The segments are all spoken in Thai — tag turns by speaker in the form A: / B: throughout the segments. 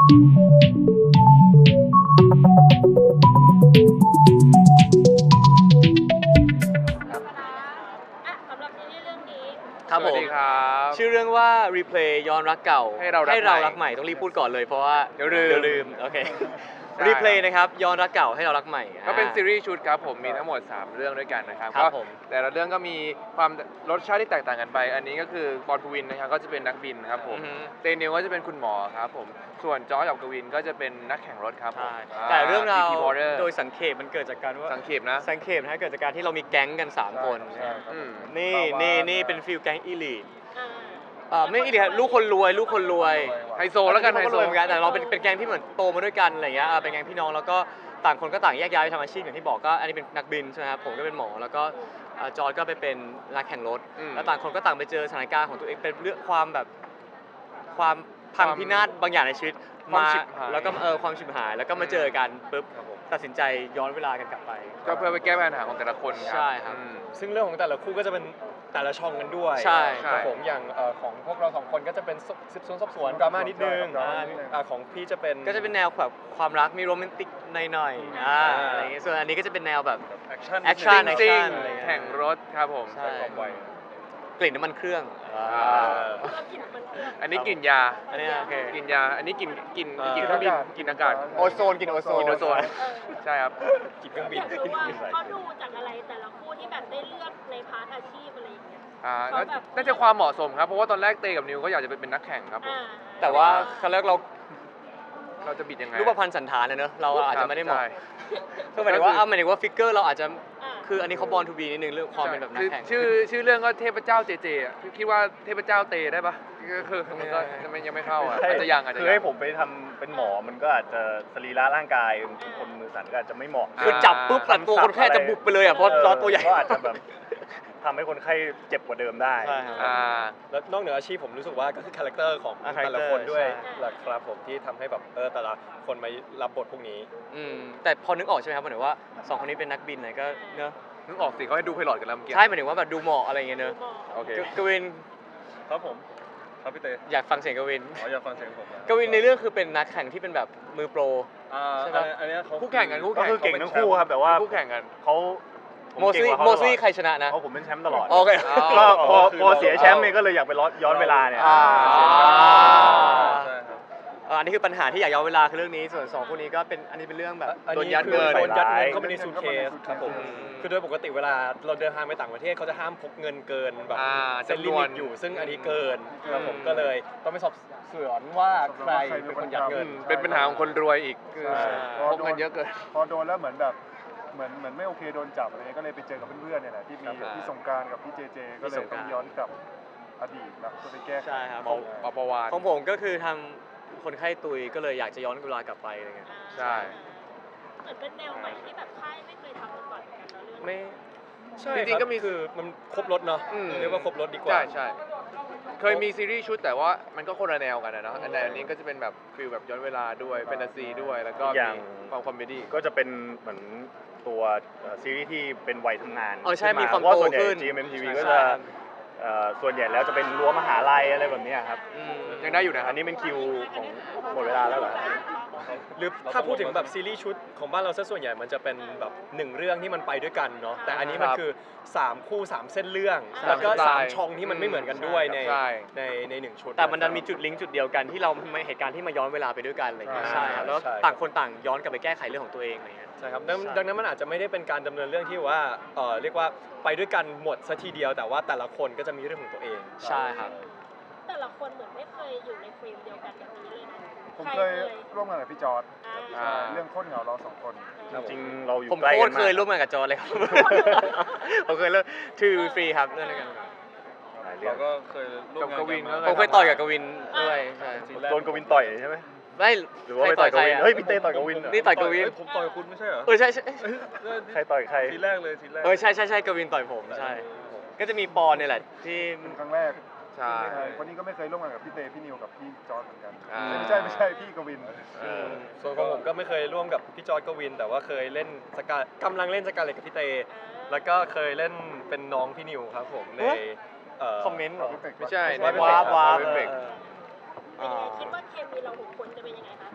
A: สำหรับซีรีส์เรื่องนี้
B: ครับผม
C: สวัสดีครับ
B: ชื่อเรื่องว่า Replay ย้อนรักเก่า
C: ให้เรารักใหม่
B: ต้องรีบพูดก่อนเลยเพราะว่า
C: เดี๋ยวลืม
B: โอเค
C: ใช่
B: Replay นะครับย้อนรักเก่าให้เรารักใหม่
C: ก็เป็นซีรีส์ชุดครับผมมีทั้งหมด 3 เรื่องด้วยกันนะครับ
B: ครับ
C: ก็
B: ผม
C: แต่ละเรื่องก็มีความรสชาติที่แตกต่างกันไป อันนี้ก็คือปอนภูวินนะครับก็จะเป็นนักบินครับผม
B: อือฮึ
C: เตนิวก็จะเป็นคุณหมอครับผมส่วนจอร์จกับกวินก็จะเป็นนักแข่งรถครับผม
B: ใช่แต่เรื่องราว
C: PT Warrior
B: โดยสังเขปมันเกิดจากการว่า
C: สังเขปนะ
B: สังเขปนะเกิดจากการที่เรามีแก๊งกัน 3 คน
D: ใช่
C: อืม
B: นี่เป็นฟิลแก๊งอีลีท
A: อ่า
B: ไม่อีลีทลูกคนรวย
C: ไฮโซแล้วกันไฮโซ
B: เหมือนกันแต่เราเป็นแก๊งที่เหมือนโตมาด้วยกันอะไรเงี้ยเป็นแก๊งพี่น้องแล้วก็ต่างคนก็ต่างแยกย้ายไปทำอาชีพอย่างที่บอกก็อันนี้เป็นนักบินใช่ไหมครับผมก็เป็นหมอแล้วก็จอร์จก็ไปเป็นนักแข่งรถ
C: อืม
B: แล้วต่างคนก็ต่างไปเจอสถานการณ์ของตัวเองเป็นเรื่องความแบบความพังพินาศบางอย่างในชีวิต
C: ความฉิบหาย
B: แล้วก็ความฉิบหายแล้วก็มาเจอกันปุ๊บ
C: ครับผม
B: ตัดสินใจย้อนเวลากันกลับไป
C: ก็เพื่อไปแก้ปัญหาของแต่ละคนครับ
B: ใช่ครับ
C: อืม
D: ซึ่งเรื่องของแต่ละคู่ก็จะเป็นแต่ละช่องกันด้วย
B: ใช่
D: ครับผมอย่างของพวกเราสองคนก็จะเป็นสืบสวนสอบสวนดราม่านิดนึง
E: ดราม่านิดนึง
D: ของพี่จะเป็น
B: ก็จะเป็นแนวแบบความรักมีโรแมนติกหน่อยๆอะไรอย่างเงี้ยส่วนอันนี้ก็จะเป็นแนวแบบ
D: แอคชั่น
B: แอคชั่น
C: ซิ่ง
B: อะไรเงี้ย
C: แข่งรถครับผม
B: ใช่
D: ความไว
B: กลิ่นน้ำมันเครื่อง
A: เรากลิ่นมันเครื่อง
C: อันนี้กลิ่นยา
B: อันนี้โอเค
C: กลิ่นยา อันนี้กลิ่นเครื่องบินกลิ่นอากาศ
B: โอโซนกินโอโซน
C: กินโอโซน ใช่ครับ
D: กินเครื่องบิ
A: อน ยากรู้ว่าเขาดูจากอะไรแต่ละคู่ที่แบบได้เลือกในพาร์ทอาชีพอะไรอย่างเงี้ย
C: น่าน่าจะความเหมาะสมครับ เพราะว่าตอนแรกเตกับนิวก็อยากจะเป็นนักแข่งครับผม
B: แต่ว่าเขาเรียกเรา
C: เราจะบิดยังไง
B: รูปพรรณสันฐานนะเนอะเราอาจจะไม่ได้เหมาะ
C: ใช่
B: คือหมายถึงว่าหมายถึงว่าฟิกเกอร์เราอาจจะ
A: อ่า
B: คืออันนี้เขาบอลทูบีนิดนึงเรื่องความเป็นแบบนักแข่ง
C: ชื่อเรื่องก็เทพเจ้าเจเจอ่ะคิดว่าเทพเจ้าเตได้ปะก็คือมันก็ยังไม่เข้าอ่ะอาจจะยังอาจจะ
E: คือ
C: ยั
E: ให้
C: ง
E: ผมไปทำเป็นหมอมันก็อาจจะสรีระร่างกายคนมือสั่นก็อาจจะไม่เหมาะ
B: คือจับปุ๊บแต่ตัวคนแค่จะบุบไปเลยอ่ะเพราะเราตัวใหญ่
E: ก็อาจจะแบบทำให้คนไข้เจ็บกว่าเดิมได้
B: ใช่ครับ
D: แล้วนอกเหนืออาชีพผมรู้สึกว่าก็คือคาแรคเตอร์ของ
B: อ่า
D: แต่ละคนด้วย
B: ใช่
D: แหละครับผมที่ทำให้แบบแต่ละคนมารับบทพวกนี้
B: แต่พอนึกออกใช่ไหมครับหมายถึงว่าสองคนนี้เป็นนักบินไหนก็เนอะ
C: นึกออกสิเขาให้ดูไพลอตกันแล้วเมื่อกี้
B: ใช่หมายถึงว่าแบบดูเหมาะอะไรอย่างเงี้ยเนอะ
C: โอเค
B: กวิน
E: ครับผมครับพี่เต้
B: อยากฟังเสียงกวิน
E: อยากฟังเสียงผม
B: กวินในเรื่องคือเป็นนักแข่งที่เป็นแบบมือโปร ใช่ปะ
E: อันนี้เขา
C: คู่แข่งกันคู่
E: ก็
C: แข่ง
E: คือเก่งทั้งคู่ครับแต่ว่า
C: คู่แข่งกัน
E: เขาผม
B: โม
E: เก่ง
B: ซี่
E: กว่าเขา
B: โมซี่
E: ตลอด
B: ใครชนะนะ
E: เพราะผมเป็นแชมป์ตลอด
B: โอเค
E: ก็พอเสียแชมป์เนี่ยก็เลยอยากไปย้อนเวลาเนี่ย
B: อ่า
E: เสียแชมป์
D: ใช่ครับ
B: อันนี้คือปัญหาที่อยากย้อนเวลาคือเรื่องนี้ส่วนสองคู่นี้ก็เป็นอันนี้เป็นเรื่องแบบ
D: อัน
C: โดน
D: นี้
C: ยัด
D: คือ
C: เงิน
D: โดนยัดเงิน
E: ใส่ร้าย
D: เข้าไปในซูทเคสครับผม
B: อืม
D: คือโดยปกติเวลาเราเดินทางไปต่างประเทศเขาจะห้ามพกเงินเกินแบบ เส้นลิ
C: จำนว
D: มิ
C: น
D: ตอยู่ ซึ่งอันนี้เกินครับผมก็เลยต้องไปสอบสวนว่าใครเป็นคนยัดเงิน
C: เป็นปัญหาของคนรวยอีกคือ
E: ใช่
C: พกเงินเยอะเกิน
E: พอโดนแล้วเหมือนแบบเหมือนไม่โอเคโดนจับอะไรเงี้ยก็เลยไปเจอกับเพื่อนๆเนี่ยแหละที่มี
B: ครับ
E: พี่สงกรารกับพี่เจเจก็เลยต้องย้อนกลับอดีตแล้วก็ไปแก้ไข
B: ใช่ครับ
C: ปปวาน
B: ของผมก็คือทำคนไข้ตุยก็เลยอยากจะย้อนเวลากลับไปอะไรเงี้ย
C: ใช่
A: เหมือนเป็นแนวใหม่ที่แบบค่ายไม่เคยทำมาก่อนเหมือนกันเนอะเรื่อง
B: ไม่
D: ใช่
C: จริงๆก็มี
D: คือมันครบรถเนาะ
C: อืม
D: เรียกว่าครบรถดีกว่า
C: ใช่ใช่เคยมีซีรีส์ชุดแต่ว่ามันก็คนละแนวกันนะเนาะแต่อันนี้ก็จะเป็นแบบฟิลแบบย้อนเวลาด้วยแฟนตาซีด้วยแล้วก็
E: อย่าง
C: มีความคอมเมดี้
E: ก็จะเป็นเหมือนตัวซีรีส์ที่เป็นวัยทำงาน
B: ใช่มีความ
E: เพราะ
B: โต
E: ส่วนใหญ่
B: ขึ้น
E: GMMTV ก็
B: ใช่
E: จะ
B: ครับ
E: ส่วนใหญ่แล้วจะเป็นรั้วมหาลัยอะไรแบบเนี้ยครับ
B: อืม
C: ยังได้อยู่นะค
E: อั
C: รับ
E: นนี้เป็นคิวของหมดเวลาแล้วเหรอ
D: หรือถ้าพูดถึงแบบซีรีส์ชุดของบ้านเราซะส่วนใหญ่มันจะเป็นแบบหนึ่งเรื่องที่มันไปด้วยกันเนาะแต่อันนี้มันคือ3คู่3เส้นเรื่อง แล้วก็
C: ใช่
D: 3ช่องที่มันไม่เหมือนกันด้วยใน
C: ใช่
D: ในหนึ่งชุด
B: แต่มันดันมีจุดลิงก์จุดเดียวกันที่เราไม่เหตุการณ์ที่มาย้อนเวลาไปด้วยกันอะไรเงี้ย
E: ใช่
B: ใช่ครับแล้ว
D: ใช่
B: ต่างคนต่างย้อนกลับไปแก้ไขเรื่องของตัวเองอะไรเงี้ย
D: ใช่ครับดัง
B: ใช่
D: ดังนั้นมันอาจจะไม่ได้เป็นการดำเนินเรื่องที่ว่าเรียกว่าไปด้วยกันหมดซะทีเดียวแต่ว่าแต่ละคนก็จะมีเรื่องของตัวเอง
B: ใช่ครับ
A: แต่ละคนเหมือนไม่เคยอยู่ในเฟรมเดียวกันแบบนี้เลยนะ
E: ผม
A: ใคร
E: เคยร่วมงานกับพี่จอร์ด
A: อ่า
E: เรื่องโคตรเหงาเราสองคน
D: ครับ
E: จริงๆเราอยู่
B: ผม
E: ใกล้
B: โค
E: กั
B: ต
E: น
B: ร
E: มาก
B: เคยร่วมงานกับจอร์เลยครับ ผมเคยเล่นทูฟรีครับเล่นด้วยกัน
E: หลายเรื่อง
F: ก็เคยร่วมงาน
C: กับกวิน
F: กัน
B: ผมเคยต่อยกับกวินด้วยใช่
E: โดนกวินต่อยใช่ไหม
B: ไม่
E: หรือว่าไปต่อยกวิน
B: ใคร
E: เฮ้ยพี่เต้ต่อยกวินเหรอ
B: นี่ต่อยกวิน
F: เฮ้ยผมต่อยคุณไม่ใช่เหรอ
B: ใช่ใช่
E: ใครต่อยใคร
F: ทีแรกเลยทีแรก
B: ใช่กวินต่อยผมใช่ ก็จะมีปอนเนี่ยแหละที่
E: เป็นครั้งแรก
C: ใช่
E: คนนี้ก็ไม่เคยร่วมงานกับพี่เต้พี่นิวกับพี่จอร์ดเหมือนกัน
C: อ่า
E: ไม่ใช่พี่กวิน
D: ส่วนของผมก็ไม่เคยร่วมกับพี่จอร์จกวิน แต่ว่าเคยเล่นกำลังเล่นสกาเลตกับพี่เต แล้วก็เคยเล่นเป็นน้องพี่นิวครับผมใน
B: คอมเมนต์เหรอ
C: ไม่ใช่
B: วาร์ป
C: Perfect
B: เออ
A: เป็นยังไงคิดว่าเคมีเรา6คนจะเป็นยังไงคะ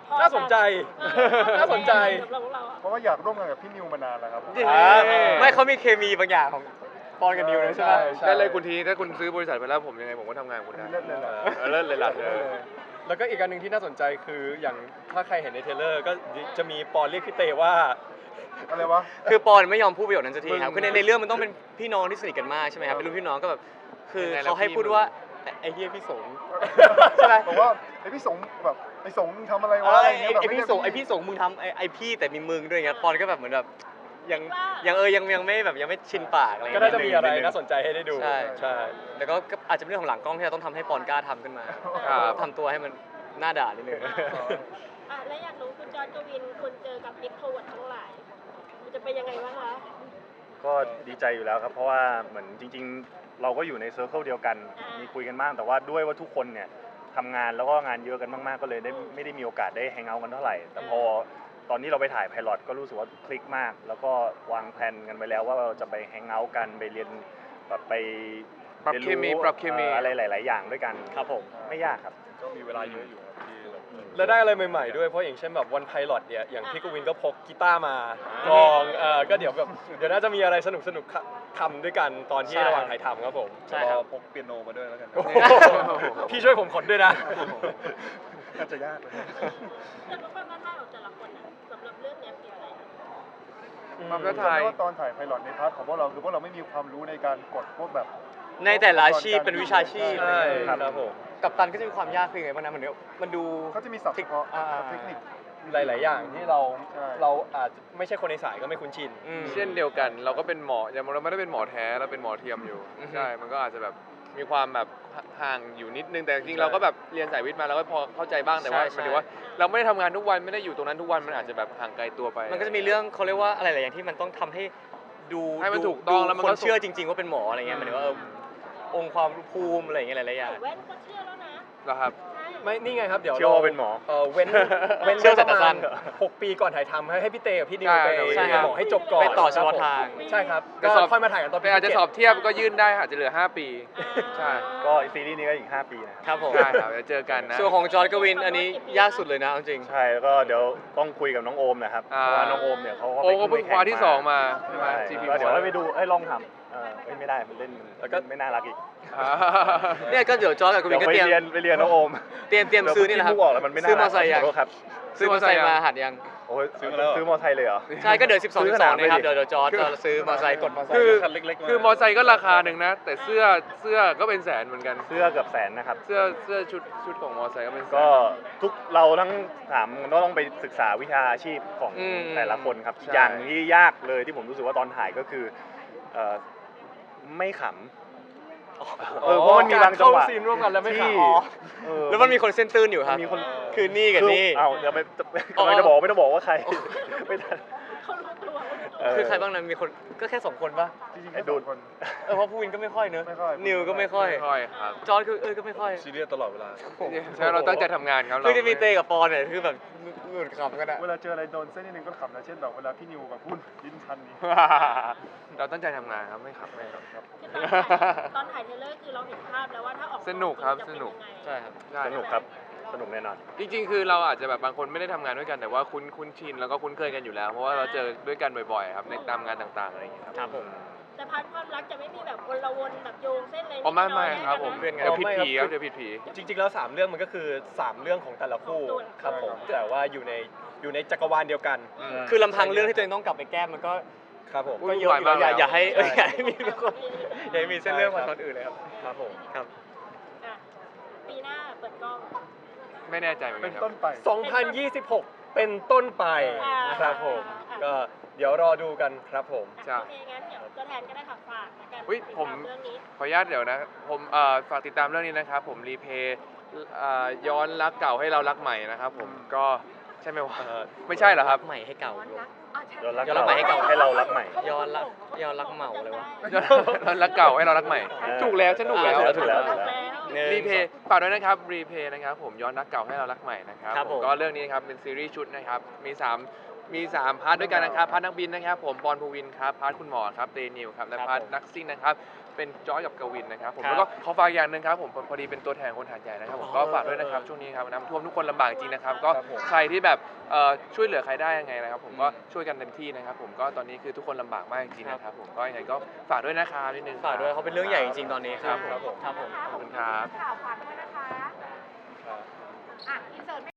A: พอ
D: น่าสนใจ น่าสนใจ
A: สำหรับพวกเราอะ
F: เพราะว่าอยากร่วมงานกับพี่นิวมานานแล้วครับ
B: ไม่เขามีเคมีบางอย่างของปอนกับนิวเลยใช่ไหม
D: ใช่
C: ได้เลยคุณทีถ้าคุณซื้อบริษัทไปแล้วผมยังไงผมก็ทำงานกับคุณได้
F: เลิศเลยเหรอ
C: เลิศเลยล่ะ
D: แล้วก็อีกอันหนึ่งที่น่าสนใจคืออย่างถ้าใครเห็นในเทรลเลอร์ก็จะมีปอนเรียกพี่เตว่า
F: อะไรวะ
B: คือปอนไม่ยอมพูดประโยคนั้นสักทีครับ
C: มึง
B: คือในเรื่องมันต้องเป็นพี่น้องที่สนิทกันมากใช่ไหมครับเป็นรุ่นพี่น้องก็แบบคือ
C: ยังไงแล้ว
B: เขาให้
C: พี่
B: พูด
C: มึง
B: ว่าไอ้เหี้ยพี่สงใช่ไหม
F: บอกว่าไอพี่สงแบบไอสงทำอะไร
B: เอ
F: วะ
B: อ
F: อะไร
B: ไอ้
F: เงี้ยแบบ
B: ไอ้พี่สงไอ้พี่สงมึงทำไอ้พี่แต่มีมึงด้วยเงี้ยปอนก็แบบเหมือนแบบยังไม่แบบยังไม่ชินปากอะไร
D: ก็
B: เงี้ย
D: น่าจะมีอะไรน่าสนใจให้ได้ดู
B: ใช่
D: ใช่
B: แล้วก็อาจจะเป็นเรื่องของหลังกล้องที่เราต้องทำให้ปอนกล้าทำขึ้นมา
C: ครับ
B: ทำตัวให้มันหน้าด่านิดนึง
A: อ่ะแล้วอยากรู้คุณจอร์จกวินคุณเจอกับเอ็กโทรเวิร์ดทั้งหลายมันจะเป็นยังไงบ้างคะ
E: ก็ดีใจอยู่แล้วครับ เพราะว่าเหมือนจริง ๆ เราก็อยู่ในเซอร์เคิลเดียวกัน มีคุยกันบ้างแต่ว่าด้วยว่าทุกคนเนี่ยทำงานแล้วก็งานเยอะกันมากๆก็เลยไม่ได้มีโอกาสได้แฮงเอาท์กันเท่าไหร่ แต่พอตอนนี้เราไปถ่ายไพลอตก็รู้สึกว่าคลิกมาก แล้วก็วางแผนกันไปแล้วว่าเราจะไปแฮงเอาท์กันไปเรียนแบบไป
C: ปรับ
E: รียน
C: เคมีปรับเคมี
E: อะไรหลาย ๆ อย่างด้วยกัน
B: ครับผม
E: ไม่ยากครับ
F: ก็มีเวลาเยอะอยู่ครับที่แบบ
D: แล้วได้อะไรใหม่ๆด้วยเพราะอย่างเช่นแบบวันไพลอตเนี่ยอย่างพี่กวินก็พกกีตาร์มากลองก็เดี๋ยวแบบเดี๋ยวน่าจะมีอะไรสนุกทำด้วยกันตอนที่ระหว่างถ่ายทำครับผม
B: ใช่ครับ
F: พกเปียโนมาด้วยแล้วกันนะ
D: โอ้โหพี่ช่วยผมขนด้วยนะ
F: น่าจะยากเลย
A: แล้วก็ความท้าทายของแต่ละคนอะสำหรับเรื่องเนี้ยคืออะไรคะ
C: ความ
F: ก็
C: ท้าทาย
F: ว่าตอนถ่ายไพลอตในพาร์ทของพวกเราคือพวกเราไม่มีความรู้ในการกดพวกแบบ
B: ในแต่ละอาชีพเป็นวิชาชีพ
D: ใช่
F: ครับ
D: ผม
B: กับตันก็จะมีความยากคือไงบ้างนะมันดู
F: เขาจะมีศัพท์เฉพาะเทคนิค
D: หลาย ๆ อย่างที่เรา
F: ใช่
D: เราอาจจะไม่ใช่คนในสายก็ไม่คุ้นชิน
B: อืม
C: เช่นเดียวกันเราก็เป็นหมออย่างเราไม่ได้เป็นหมอแท้เราเป็นหมอเทียมอยู่
B: อือฮึ
C: ใช่ มันก็อาจจะแบบมีความแบบห่างอยู่นิดนึงแต่จริงๆเราก็แบบเรียนสายวิทย์มาเราก็พอเข้าใจบ้างแต่ว่าหมายถึงว่าเราไม่ได้ทำงานทุกวันไม่ได้อยู่ตรงนั้นทุกวันมันอาจจะแบบห่างไกลตัวไป
B: มันก็จะมีเรื่องเขาเรียกว่าอะไรหลายอย่างที่มันต้องทำให้ดู
C: ให้มันถูกต้องแล้วมัน
B: ค
C: ก็
B: นเชื่อจริง ๆ ว่าเป็นหมออะไรเงี้ยหมายถึงว่าองค์ความภูมิอะไรอย่างเงี้ยหลายๆอย่าง
A: ใส่แว่นก็เชื่อแล้วนะ
C: เหรอครับ
A: ใช่
D: ไม่นี่ไงครับเดี๋ยว
E: เชื่อว่าเป็นหมอ
D: เว้น
B: เชื่อ
D: ป
B: แต่
D: ระ
B: สั้
D: มาณ
B: น
D: 6 ปีก่อนถ่ายทำให้พี่เตกับพี่นิว
C: ใช่
D: ไป
B: ใช่
D: เรียนหมอให้จบก่อน
B: ไปต่อเฉพาะ
D: ครับผม
B: ทาง
D: ใช่ครับ
C: แต่
D: ก็
C: สอบ
D: ค่อยมาถ่ายกันตอน
C: แต่อาจจะสอบเทียบก็ยื่นได้อาจจะเหลือ 5 ปี ใช่
E: ก็ซีรีส์นี้ก็อีก 5 ปีนะครับ
B: ครับผม
C: ใช่ครับเดี๋ยวเจอกันนะ
B: ส่วนของจอร์ดกวินอันนี้ยากสุดเลยนะเอาจริง
E: ใช่แล้วก็เดี๋ยวต้องคุยกับน้องโอมนะครับ
C: อ่า
E: เพราะว่าน้องโอมเนี่ยเขาก็
C: โอ้ก็เพิ่งคว้าที่สองมาใช่ไหม
E: ใช่
C: GP
E: ก็เดี๋ยวให้ไปดูให้ลองทำไม่ได้มันเล่น
D: แล้วก็
E: ไม่น่ารักอีก
B: เนี่ยก็เดี๋ยวจอร์ดกับกวิ
E: เดี๋ย
B: น
E: ว
B: ก็
E: ไป
B: เตรียม
E: เรียนน้องโอม
B: เตรียมซื้อนี่แหละครับ
E: เดี๋ยวพูดออกแล้วมันไม่น่า
B: ซื้อมอไซค์ยัง
E: ขอโทษครับ
B: ซื้อมอไซค์มาหัดยัง
E: โอ้ยซื้อมอไซค์เลยเหรอ
B: ใช่ก็เดี๋ยว 12
E: ซื้อข
B: 12
E: นาด
B: นะครับ
E: ไม่ดิ
B: เดี๋ยวจอร์ดจะซื้อมอไซค์กดมอไซค์
C: คือ
F: คันเล็กๆมา
C: คือมอไซค์ก็ราคาหนึ่งนะ แต่เสื้อก็เป็นแสนเหมือนกัน
E: เสื้อเกือบแสนนะครับ
C: เสื้อชุดของมอไซค์ก็เป็นแสน
E: ก็ทุกเราทั้งถามก็ต้องไปศึกษาวิชาอาชีพของ
B: อืม
E: แต่ละคนครับ
C: ใช่
E: อย่างที่ยากเลยที่ผมรู้สึกว่าตอนถ่ายก็คือไม่ขำเพราะมันมีบางจังหวะ
D: เข้าซีนร่วมกันแล้วไม่
E: ที่
D: ขำ
B: แล้วมันมีคนเส้นตื้นอยู่ครับ
E: มีคน
B: คือนี่กับนี่
E: เอาเดี๋ยวไปกำลังจะบอกไม่ต้องบอกว่าใครไม่ทัน
A: เขารู้ตัว
B: คือใครบ้างนะมีคนก็แค่2 คนปะ
F: จริงๆ
E: ไอ้
F: แค่
E: ดู
F: สอ
E: ด
F: งคน
B: เพราะผู้วินก็ไม่ค่อยเนอะ
F: ไม่ค่อย
B: นิวก็ไม่ค่อย
C: ไม่ค่อยครับ
B: จอร์ดคือก็ไม่ค่อย
F: ซีเรียสตลอดเวลา
C: ใช่เราตั้งใจทำงานครับ
B: คือจะมีเตกับปอนเนี่ยคือแบบหลุดขำกันอะ
F: เวลาเจออะไรโดนเส้นนิดนึงก็ขำนะเช่นแบบเวลาพี่นิวแบบพูดลิ้นพันนี้
C: เราตั้งใจทำงานครับไม่ขับไม่ขับ
A: คือตอนถ่ายเทรลเลอร์คือเราเห็นภาพแล้วว่าถ้าออก
C: สนุกครับ
A: จะเป็
C: สนุก
A: ยังไง
B: ใช่ครับ
C: ใช่
E: สนุกครับสนุกแน่นอน
C: จริงๆ คือเราอาจจะแบบบางคนไม่ได้ทำงานด้วยกันแต่ว่าคุ้นชินแล้วก็คุ้นเคยกันอยู่แล้ว เพราะว่าเราเจอด้วยกันบ่อยๆครับในตามงานต่างๆอะไรอย่างเงี้ยครับ
B: ครับผม
A: แต่พาร์ทความรักจะไม่มีแบบวนละวนแบบโยงเส้นอะไร
C: อ๋อไม่ครับผม
B: เพื่อนไง
C: เดี๋ยวผิดผีครับเดี๋ยวผิดผี
D: จริง ๆ แล้ว 3 เรื่องมันก็คือ 3 เรื่องของแต่ละคู่ครับผมแต่ว่าอยู่ในจักรวาลเดียวกัน
B: คือลำพังเรื่องที่ตัวเองต้องกลับไปแก้มันก็
D: ครับผม
B: ก็เยอะอยู่แล้วอย่าให้
C: ใช่
B: อย่าให้มีคนอย่าให้มีเส้นเรื่องมาตอนอื่นเลยครับ
D: ครับผม
B: ครับ
A: อ่ะปีหน้าเปิดกล้อง
C: ไม่แน่ใจเหมือน
F: เป็
C: กัน นครับ
F: ต้นไป
D: 2026 เป็นต้นไป
A: อ่า
D: ครับผม ก็เดี๋ยวรอดูกันครับผม
C: ใช่
A: โอเคงั้นเดี๋ยวตัวแทนก็ได้ค่ะฝากแล้วกัน
C: อุ๊ย
A: ติด
C: ผม
A: ตาเรื่องนี้
C: ขออนุญาตเดี๋ยวนะผมฝากติดตามเรื่องนี้นะครับผมรีเพย์ย้อนรักเก่าให้เรารักใหม่นะครับผมก็ใช่ไหมวะไม่ใช่เหรอครับ
B: ใหม่ให้เก่า
E: ย้อนรัก
B: ย้อนรักใหม่ให้เก่า
E: ให้เรารักใหม่
B: ย้อนรักเหมาเลยวะ
C: ย้อนรักเก่าให้เรารักใหม่ ถูกแล้วฉันถูกแล้ว
E: ถูกแล้ว
C: รีเพย์ฝากด้วยนะครับรีเพย์นะครับผมย้อนรักเก่าให้เรารักใหม่นะครับ
B: ครับผม
C: ก็เรื่องนี้นะครับเป็นซีรีส์ชุดนะครับมี3พาร์ทด้วยกันนะครับพาร์ทนักบินนะครับผมปอนภูวินครับพาร์ทคุณหมอครับเตนิวครับและพาร์ทนักซิ่งนะครับเป็นจอยกับกวินนะครับผม
B: ครับ
C: แล้วก็ขอฝากอย่างหนึ่งครับผมพอดีเป็นตัวแทนคนหาดใหญ่นะครับผมก็ฝากด้วยนะครับช่วงนี้ครับน้ำท่วมทุกคนลำบากจริงนะครับก็
D: ครับผม
C: ใครที่แบบช่วยเหลือใครได้ยังไงนะครับผมก็ช่วยกันเต็มที่นะครับผมก็ตอนนี้คือทุกคนลำบากมากจริงๆนะครับผมก็ยังไงก็ฝากด้วยนะครับนิดนึง
B: ฝากด้วยเขาเป็นเรื่องใหญ่จริงๆตอนนี้ครับ
C: ครับผม
B: ครับผม
C: ขอบคุณครับ
G: ข่าวฝากด้วยนะคะ อ่ะอินเสิร์ต